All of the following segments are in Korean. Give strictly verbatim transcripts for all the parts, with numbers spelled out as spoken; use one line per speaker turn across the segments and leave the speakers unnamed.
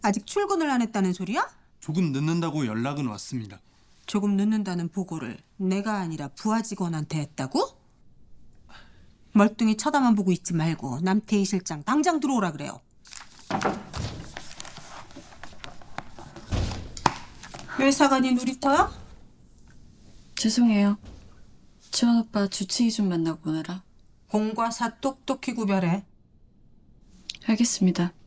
아직 출근을 안 했다는 소리야?
조금 늦는다고 연락은 왔습니다.
조금 늦는다는 보고를 내가 아니라 부하 직원한테 했다고? 멀뚱히 쳐다만 보고 있지 말고 남태희 실장 당장 들어오라 그래요. 회사관이 누리터야?
죄송해요. 지원 오빠 주치의 좀 만나고 오느라.
공과 사 똑똑히 구별해.
알겠습니다.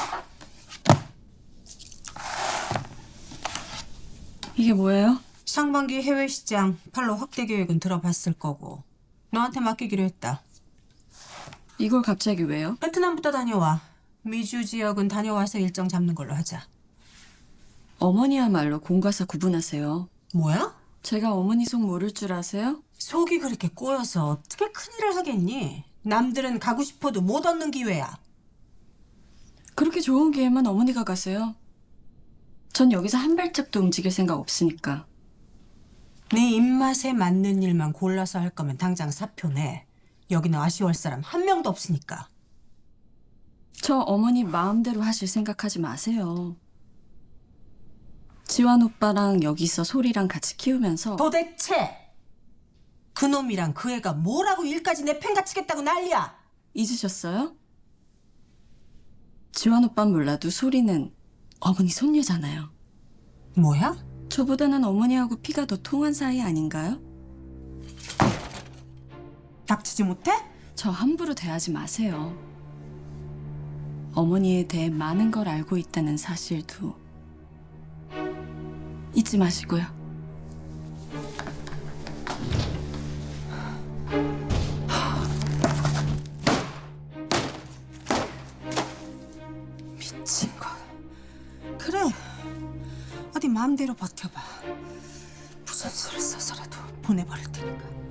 이게 뭐예요?
상반기 해외 시장 팔로 확대 계획은 들어봤을 거고 너한테 맡기기로 했다.
이걸 갑자기 왜요?
베트남부터 다녀와. 미주 지역은 다녀와서 일정 잡는 걸로 하자.
어머니야말로 공과사 구분하세요.
뭐야?
제가 어머니 속 모를 줄 아세요?
속이 그렇게 꼬여서 어떻게 큰일을 하겠니? 남들은 가고 싶어도 못 얻는 기회야.
그렇게 좋은 기회만 어머니가 가세요. 전 여기서 한 발짝도 움직일 생각 없으니까.
네 입맛에 맞는 일만 골라서 할 거면 당장 사표 내. 여기는 아쉬워할 사람 한 명도 없으니까.
저 어머니 마음대로 하실 생각하지 마세요. 지환 오빠랑 여기서 소리랑 같이 키우면서
도대체 그놈이랑 그 애가 뭐라고 일까지 내팽가치겠다고 난리야.
잊으셨어요? 지환 오빠는 몰라도 소리는 어머니 손녀잖아요.
뭐야?
저보다는 어머니하고 피가 더 통한 사이 아닌가요?
닥치지 못해?
저 함부로 대하지 마세요. 어머니에 대해 많은 걸 알고 있다는 사실도 잊지 마시고요.
미친 거. 그래. 어디 마음대로 버텨봐. 무슨 수를 써서라도 보내버릴 테니까.